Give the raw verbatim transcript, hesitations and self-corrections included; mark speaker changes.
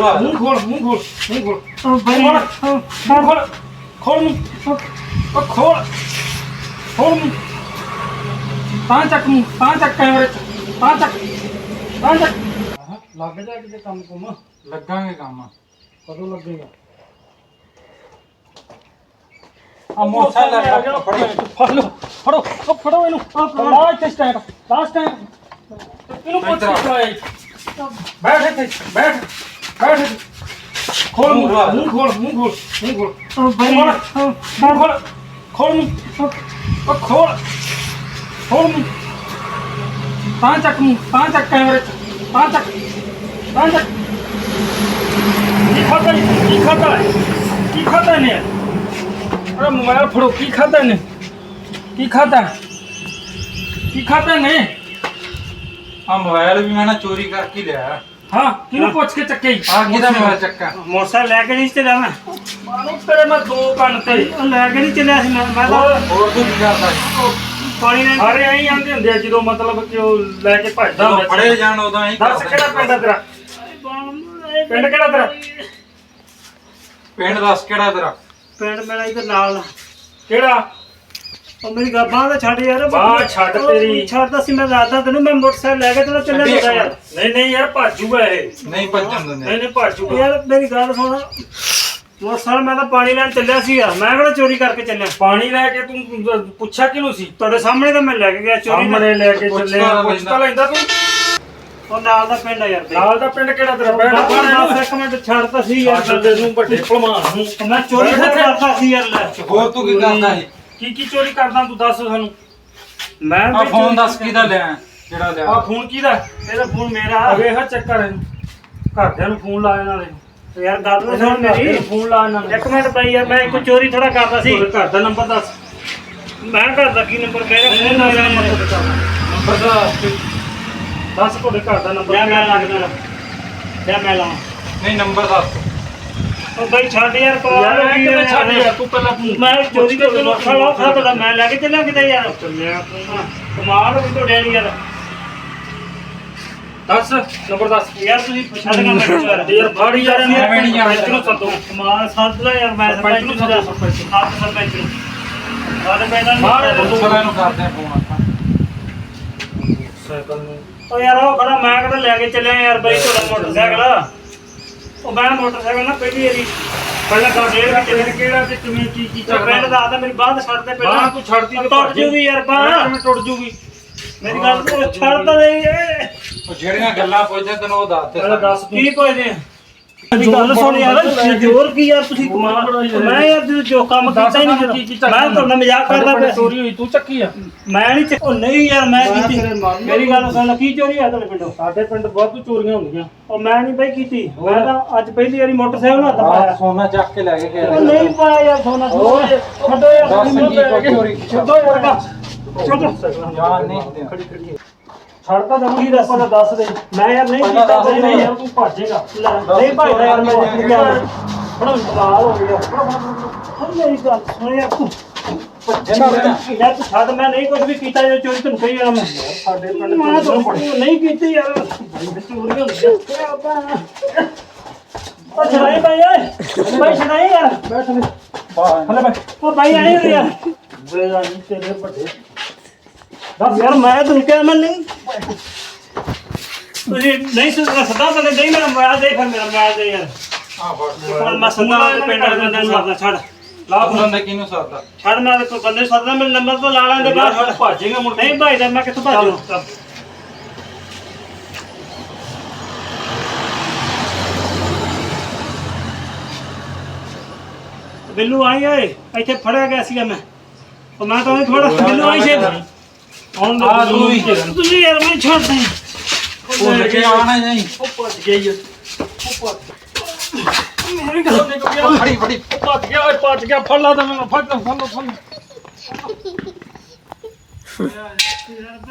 Speaker 1: ਲਾ
Speaker 2: ਮੂੰਹ ਖੋਲ ਮੂੰਹ ਖੋਲ ਮੂੰਹ ਖੋਲ
Speaker 3: ਉਹ ਬਾਈ
Speaker 2: ਮੂੰਹ ਖੋਲ ਖੋਲ ਮੂੰਹ ਉਹ ਖੋਲ ਖੋਲ ਮੂੰਹ ਤਾਂ ਚੱਕ ਮੂੰਹ ਤਾਂ ਚੱਕ ਕੈਮਰੇ ਚ ਤਾਂ ਚੱਕ ਤਾਂ ਚੱਕ ਲੱਗ ਜਾ ਕਿਤੇ ਕੰਮ ਕੁਮ
Speaker 1: ਲੱਗਾਂਗੇ ਕੰਮ
Speaker 2: ਕਦੋਂ ਲੱਗੇਗਾ
Speaker 1: ਆ ਮੋਟਰਸਾਈਕਲ ਲੈ ਕੇ ਫੜੋ
Speaker 2: ਫੜ ਲਓ ਫੜੋ ਉਹ ਫੜੋ ਇਹਨੂੰ ਲਾ ਇੱਥੇ ਸਟੈਂਡ ਲਾਸਟ ਟਾਈਮ ਇਹਨੂੰ ਪੁੱਛ ਕੇ ਬੈਠ ਇੱਥੇ ਬੈਠ ਬੈਠ ਇੱਥੇ। ਖੋਲ ਮੂੰਹ ਮੂੰਹ ਖੋਲ ਮੂੰਹ ਖੋਲ ਮੂੰਹ ਖੋਲ
Speaker 3: ਉਹ ਬਾਈ
Speaker 2: ਮੂੰਹ ਖੋਲ ਖੋਲ ਮੂੰਹ ਉਹ ਖੋਲ ਖੋਲ ਮੂੰਹ ਤਾਂ ਚੱਕ ਮੂੰਹ ਤਾਂ ਚੱਕ ਕੈਮਰੇ ਚ ਤਾਂ ਚੱਕ ਤਾਂ ਚੱਕ ਕੀ ਖਾਦਾ ਕੀ ਖਾਦਾ ਕੀ ਖਾਦਾ ਨੇ ਅਰੇ ਮੋਬਾਈਲ ਫੜੋ ਕੀ ਖਾਦਾ ਨੇ ਕੀ ਖਾਦਾ ਕੀ ਖਾਦਾ ਨੇ
Speaker 1: ਆ ਮੋਬਾਈਲ ਵੀ ਮੈਂ ਨਾ ਚੋਰੀ ਕਰਕੇ ਲਿਆ
Speaker 2: ਹਾਂ ਕਿਹਨੂੰ ਪੁੱਛ ਕੇ ਚੱਕੇ
Speaker 1: ਆ ਕਿਹਦਾ ਮੋਬਾਈਲ ਚੱਕਾ
Speaker 3: ਮੋਟਰਸਾਈਕਲ ਲੈ ਕੇ ਨਹੀਂ ਚੱਲਿਆ ਮੈਂ
Speaker 2: ਮਾਨੂੰ ਤੇਰੇ ਮੈਂ ਦੋ ਕੰਨ ਤੇ
Speaker 3: ਉਹ ਲੈ ਕੇ ਨਹੀਂ ਚੱਲਿਆ ਸੀ ਮੈਂ ਮੈਂ ਤਾਂ
Speaker 1: ਹੋਰ ਤੂੰ ਕੀ ਕਰਦਾ
Speaker 3: ਪਾਣੀ ਨਾਲ
Speaker 2: ਸਾਰੇ ਐਂ ਆਂਦੇ ਹੁੰਦੇ ਆ ਜਦੋਂ ਮਤਲਬ ਕਿ ਉਹ ਲੈ ਕੇ ਭੱਜਦਾ
Speaker 1: ਜਦੋਂ
Speaker 2: ਹੁੰਦਾ
Speaker 1: ਫੜੇ ਜਾਣ ਉਦੋਂ ਹੀ
Speaker 2: ਦੱਸ ਕਿਹੜਾ ਪਿੰਡ ਆ ਤੇਰਾ ਪਿੰਡ ਕਿਹੜਾ ਤੇਰਾ
Speaker 1: ਪਿੰਡ ਦੱਸ ਕਿਹੜਾ ਤੇਰਾ
Speaker 3: ਪਿੰਡ ਮੇਰਾ ਇੱਧਰ ਨਾਲ
Speaker 2: ਕਿਹੜਾ
Speaker 3: ਉਹ ਮੇਰੀ ਗੱਬਾਂ ਤਾਂ ਛੱਡ ਯਾਰ
Speaker 2: ਬਾਂਹ ਛੱਡ ਤੇਰੀ।
Speaker 3: ਛੱਡਦਾ ਸੀ ਮੈਂ ਰਾਤਾਂ ਤੈਨੂੰ ਮੈਂ ਮੋਟਰਸਾਈਕਲ ਲੈ ਕੇ ਤੈਨੂੰ ਚੱਲਿਆ
Speaker 1: ਛੱਡੀ
Speaker 3: ਹੁੰਦਾ ਯਾਰ
Speaker 2: ਨਹੀਂ ਨਹੀਂ ਯਾਰ ਭਾਜੂਗਾ ਇਹ
Speaker 1: ਨਹੀਂ ਭੱਜਣ ਦਿੰਦੇ
Speaker 2: ਨਹੀਂ ਨਹੀਂ ਭਾਜੂਗਾ
Speaker 3: ਯਾਰ ਮੇਰੀ ਗੱਲ ਸੁਣ ਮੋਟਰਸਾਈਕਲ ਮੈਂ ਤਾਂ ਪਾਣੀ ਲੈਣ ਚੱਲਿਆ ਸੀਗਾ ਮੈਂ ਕਿਹੜਾ ਚੋਰੀ ਕਰਕੇ ਚੱਲਿਆ
Speaker 2: ਪਾਣੀ ਲੈ ਕੇ ਤੂੰ ਪੁੱਛਿਆ ਕਿਹਨੂੰ ਸੀ
Speaker 3: ਤੁਹਾਡੇ ਸਾਹਮਣੇ ਤਾਂ ਮੈਂ ਲੈ ਕੇ ਗਿਆ ਚੋਰੀ ਦਾ।
Speaker 2: ਸਾਹਮਣੇ ਲੈ ਕੇ
Speaker 1: ਪੁੱਛਦਾ
Speaker 2: ਚੱਲੇ
Speaker 1: ਲੈਂਦਾ।
Speaker 2: ਪੁੱਛਤਾ ਲੈਂਦਾ ਤੂੰ
Speaker 3: ਉਹ ਨਾਲ ਦਾ ਪਿੰਡ ਆ ਯਾਰ ਬਈ।
Speaker 2: ਨਾਲ ਦਾ ਪਿੰਡ ਕਿਹੜਾ ਤੇਰਾ ਪਿੰਡ
Speaker 3: ਬਸ ਇੱਕ ਮਿੰਟ ਛੱਡਤਾ ਸੀ ਯਾਰ
Speaker 2: ਸਾਡੇ ਨੂੰ ਵੱਡੇ ਭਲਵਾਨ ਨੂੰ
Speaker 3: ਮੈਂ ਚੋਰੀ ਤਾਂ ਕਰਦਾ ਸੀ ਯਾਰ ਲੈ
Speaker 1: ਹੋਰ ਤੂੰ ਕੀ ਕਰਦਾ ਸੀ
Speaker 2: ਕੀ ਕੀ ਚੋਰੀ ਕਰਦਾ ਤੂੰ ਦੱਸ ਸਾਨੂੰ
Speaker 3: ਮੈਂ
Speaker 1: ਆ
Speaker 3: ਬਈ
Speaker 1: ਫੋਨ
Speaker 3: ਚੋਰੀ-
Speaker 1: ਦੱਸ ਕਿਹਦਾ ਲਿਆ ਜਿਹੜਾ
Speaker 2: ਆ
Speaker 1: ਲਿਆ
Speaker 2: ਫੋਨ ਕਿਹਦਾ
Speaker 3: ਇਹਦਾ ਫੋਨ ਮੇਰਾ
Speaker 2: ਅਗੇ ਹਾ ਚੱਕਰ ਇਹਨੂੰ ਘਰਦਿਆਂ ਨੂੰ ਫੋਨ ਲਾਇਆ ਨਾਲੇ
Speaker 3: ਯਾਰ ਗੱਲ ਤਾਂ ਸੁਣ ਮੇਰੀ
Speaker 2: ਫੋਨ ਲਾ ਨਾਲੇ
Speaker 3: ਇੱਕ ਮਿੰਟ ਬਈ ਯਾਰ ਮੈਂ ਕੋਈ ਚੋਰੀ ਥੋੜਾ ਕਰਦਾ ਸੀ
Speaker 2: ਤੁਹਾਡੇ ਘਰ ਦਾ ਨੰਬਰ ਦੱਸ
Speaker 3: ਮੈਂ ਕਰਦਾ ਕੀ ਨੰਬਰ ਮੇਰਾ
Speaker 2: ਨਹੀਂ
Speaker 3: ਫੋਨ ਮੇਰਾ
Speaker 2: ਨੰਬਰ ਦੱਸ ਦੱਸ ਤੁਹਾਡੇ ਘਰ ਦਾ ਨੰਬਰ
Speaker 3: ਲੈ ਮੈਂ ਲੱਗਦਾ ਲੈ ਮੈਂ ਲਾਵਾਂ
Speaker 1: ਨਹੀਂ ਨੰਬਰ ਦੱਸ
Speaker 3: ਉਹ ਬਈ ਛੱਡ ਯਾਰ
Speaker 2: ਯਾਰ
Speaker 3: ਕਮਾਲ ਹੋ
Speaker 2: ਇਹ
Speaker 3: ਗਈ
Speaker 2: ਕਿਵੇਂ ਛੱਡ
Speaker 3: ਯਾਰ
Speaker 2: ਯਾਰ ਤੂੰ ਪਹਿਲਾਂ ਫੋਨ
Speaker 3: ਮੈਂ ਚੋਰੀ ਕਰ ਤੈਨੂੰ ਖੜਾ ਖੜਾ ਮੈਂ ਲੈ ਕੇ ਚੱਲਿਆ ਕਿਤੇ ਯਾਰ
Speaker 2: ਚੱਲਿਆ ਤੂੰ
Speaker 3: ਹਾਂ, ਕਮਾਲ ਹੋ ਗਈ ਤੁਹਾਡੇ ਵਾਲੀ ਯਾਰ
Speaker 2: ਦੱਸ ਨੰਬਰ ਦੱਸ
Speaker 3: ਯਾਰ ਤੁਸੀਂ ਛੱਡ ਕੇ ਮੈਨੂੰ ਯਾਰ
Speaker 2: ਯਾਰ ਬਾੜੀ ਯਾਰ
Speaker 1: ਐਵੇਂ ਨਹੀਂ ਜਾਣਾ।
Speaker 2: ਸਰਪੰਚ ਨੂੰ ਸੱਦੋ
Speaker 3: ਕਮਾਲ ਸੱਦ ਲੈ ਯਾਰ ਮੈਂ
Speaker 2: ਸਰਪੰਚ ਨੂੰ ਸੱਦੋ ਸਰਪੰਚ ਨੂੰ।
Speaker 3: ਆਪ ਸਰਪੰਚ ਨੂੰ ਸਾਡੇ ਪੈਦਾ
Speaker 2: ਬਾਹਰ
Speaker 3: ਨਹੀਂ
Speaker 1: ਪੁਲਿਸ ਨੂੰ ਕਰਦੇ ਆ ਫੋਨ ਆਪਾਂ
Speaker 2: ਸਾਈਕਲ ਨੂੰ
Speaker 3: ਉਹ ਯਾਰ ਉਹ ਖੜਾ ਮੈਂ ਕਿਹੜਾ ਲੈ ਕੇ ਚੱਲਿਆ ਯਾਰ ਬਈ ਤੁਹਾਡਾ ਮੋਟਰਸਾਈਕਲ ਉਹ ਮੈਂ ਮੋਟਰਸਾਈਕਲ ਨਾ ਪਹਿਲੀ ਵਾਰੀ ਪਹਿਲਾਂ ਤਾਂ ਡੇਢ ਘੰਟੇ
Speaker 2: ਕਿਹੜਾ ਕਿਹੜਾ ਤੇ ਕਿਵੇਂ ਕੀ ਕੀ
Speaker 3: ਤੇ ਪਿੰਡ ਦਾ ਆਦਾ ਮੇਰੀ ਬਾਂਹ ਛੱਡ ਦੇ ਪਹਿਲਾਂ
Speaker 2: ਬਾਂਹ ਤੂੰ ਛੱਡਦੀ ਤੇ
Speaker 3: ਟੁੱਟ ਜੂਗੀ ਯਾਰ ਬਾਂਹ
Speaker 2: ਕਿਵੇਂ ਟੁੱਟ ਜੂਗੀ
Speaker 3: ਮੇਰੀ ਗੱਲ ਤੂੰ ਛੱਡ ਤਾਂ ਦੇ ਏ
Speaker 1: ਉਹ ਜਿਹੜੀਆਂ ਗੱਲਾਂ ਪੁੱਛਦੇ ਤੈਨੂੰ ਉਹ ਦੱਸ ਦੇ
Speaker 2: ਪਹਿਲਾਂ ਦੱਸ ਤੂੰ
Speaker 3: ਕੀ ਪੁੱਛਦੇ ਆ ਮੇਰੀ ਗੱਲ ਸੁਣ ਯਾਰ ਜੋਰ ਕੀ ਯਾਰ ਤੁਸੀਂ ਕਮਾਲ ਮੈਂ ਯਾਰ ਤੁਸੀਂ ਜੋ ਕੰਮ ਕੀਤਾ ਹੀ ਨਹੀਂ
Speaker 2: ਕੀ ਕੀ
Speaker 3: ਜਦੋਂ ਮੈਂ ਤੁਹਾਡਾ ਮਜ਼ਾਕ ਕਰਦਾ ਪਿਆ
Speaker 2: ਚੋਰੀ ਹੋਈ ਤੂੰ ਚੱਕੀ ਆ
Speaker 3: ਮੈਂ ਨਹੀਂ ਚੱਕ ਉਹ ਨਹੀਂ ਯਾਰ ਮੈਂ ਕੀਤੀ ਮੇਰੀ ਗੱਲ ਸੁਣ ਕੀ ਚੋਰੀ ਆ ਤੁਹਾਡੇ ਪਿੰਡੋਂ
Speaker 2: ਸਾਡੇ ਪਿੰਡ ਬਹੁਤ ਚੋਰੀਆਂ ਹੁੰਦੀਆਂ
Speaker 3: ਉਹ ਮੈਂ ਨਹੀਂ ਬਈ ਕੀਤੀ ਮੈਂ ਤਾਂ ਅੱਜ ਪਹਿਲੀ ਵਾਰੀ ਮੋਟਰਸਾਈਕਲ ਨੂੰ ਹੱਥ ਪਾਇਆ
Speaker 1: ਸੋਨਾ ਚੱਕ ਕੇ ਲੈ ਕੇ ਗਿਆ
Speaker 3: ਉਹ ਨਹੀਂ ਪਾਇਆ ਯਾਰ ਸੋਨਾ ਸੋਨਾ ਛੱਡੋ ਯਾਰ
Speaker 1: ਦੱਸ
Speaker 3: ਮੈਨੂੰ
Speaker 1: ਕੀ
Speaker 3: ਲੈ ਕੇ।
Speaker 1: ਚੋਰੀ
Speaker 3: ਛੱਡੋ ਯਾਰ ਕਾ ਛੱਡੋ
Speaker 1: ਜਾਨ ਨਹੀਂ ਦਿੰਦੇ।
Speaker 2: ਛੱਡਦਾ ਦਵਾਂ ਕੀ ਦੱਸ ਦੱਸ ਦੇ
Speaker 3: ਮੈਂ ਯਾਰ ਨਹੀਂ
Speaker 1: ਪਹਿਲਾਂ
Speaker 3: ਕੀਤਾ
Speaker 1: ਦੱਸ
Speaker 3: ਬਈ
Speaker 2: ਨਹੀਂ
Speaker 3: ਨਹੀਂ
Speaker 2: ਯਾਰ ਤੂੰ ਭੱਜੇਗਾ
Speaker 3: ਨਹੀਂ ਭਾਈ ਯਾਰ ਮੈਂ ਨਹੀਂ ਗਿਆ
Speaker 2: ਬੜਾ ਕਮਾਲ ਹੋ ਗਿਆ
Speaker 3: ਹੁਣ ਮੇਰੀ ਗੱਲ ਸੁਣ ਯਾਰ ਤੂੰ ਯਾਰ ਤੂੰ ਛੱਡ ਮੈਂ ਨਹੀਂ ਕੁਝ ਵੀ ਕੀਤਾ ਜੋ ਚੋਰੀ ਤੈਨੂੰ ਕਹੀ ਜਾਣਾ ਮੈਂ
Speaker 2: ਸਾਡੇ ਪਿੰਡ
Speaker 3: ਮੈਂ
Speaker 2: ਚੋਰੀਆਂ
Speaker 3: ਤਾਂ
Speaker 2: ਬੜੀਆਂ।
Speaker 3: ਨਹੀਂ ਕੀਤੀ ਯਾਰ
Speaker 2: ਚੋਰੀਆਂ ਹੁੰਦੀਆਂ
Speaker 3: ਉਹ ਛੜਾਈ ਭਾਈ ਓਏ ਭਾਈ ਛੜਾਈ ਯਾਰ
Speaker 2: ਬੈਠ ਲੈ
Speaker 1: ਬਾਹਰ
Speaker 2: ਬੈ
Speaker 3: ਉਹ ਭਾਈ ਆਏ ਹੋ ਯਾਰ
Speaker 2: ਬੇਗਾ ਨਹੀਂ ਤੇਰੇ ਵੱਡੇ
Speaker 3: ਦੱਸ ਯਾਰ ਮੈਂ ਤੈਨੂੰ ਕਿਹਾ ਮੈਂ ਨਹੀਂ ਤੁਸੀਂ ਨਹੀਂ ਸਦਾ ਸਦਾ ਤਾਂ ਨਹੀਂ ਮੇਰਾ ਮੋਬਾਈਲ ਦੇ ਫਿਰ ਮੇਰਾ ਮੋਬਾਈਲ ਦੇ ਯਾਰ
Speaker 1: ਆ ਫੜ
Speaker 3: ਹੁਣ ਮੈਂ ਸਦਾ ਪਿੰਡ ਵਾਲੇ ਬੰਦੇ ਨੂੰ ਸੱਦਦਾ ਛੱਡ
Speaker 1: ਲਾ ਫੋਨ ਦੇ ਕਿਹਨੂੰ ਸਾਦਾ
Speaker 3: ਛੱਡ ਮੈਂ ਤੇ ਬੰਦੇ ਨੂੰ ਸੱਦਦਾ ਮੇਰੇ ਨੰਬਰ ਤੋਂ ਲਾ ਲਾਂਗੇ ਬਾਹਰ ਛੱਡ
Speaker 2: ਭੱਜੇਗਾ ਮੁੜ ਕੇ
Speaker 3: ਨਹੀਂ ਭਾਈ ਦਾ ਮੈਂ ਕਿੱਥੋਂ ਭਾਜੂ ਬਿੱਲੂ ਆਈ ਓਏ ਇੱਥੇ ਫੜਿਆ ਗਿਆ ਸੀਗਾ ਮੈਂ ਉਹ ਮੈਂ ਤਾਂ ਥੋੜਾ ਬਿੱਲੂ ਆਈ ਛੇਦ
Speaker 2: ਹੁਣ
Speaker 1: ਆ ਤੂੰ ਵੀ
Speaker 3: ਤੁਸੀਂ ਯਾਰ ਮੈਨੂੰ ਛੱਡ ਦੇ
Speaker 1: ਉਹ ਲੈ ਕੇ ਆਣਾ ਨਹੀਂ
Speaker 2: ਉਹ ਭੱਜ ਗਿਆ ਈ ਉਹ ਭੱਜ
Speaker 3: ਮੇਰੀ ਗੱਲ
Speaker 2: ਨਿਕਲ ਗਿਆ
Speaker 1: ਫੜੀ ਫੜੀ
Speaker 2: ਉਹ ਭੱਜ ਗਿਆ ਓਏ ਭੱਜ ਗਿਆ ਫੜ ਲਾ ਤਾਂ ਮੈਨੂੰ ਫੜ ਲਾ ਫੜ ਲਾ ਫੜ ਲਾ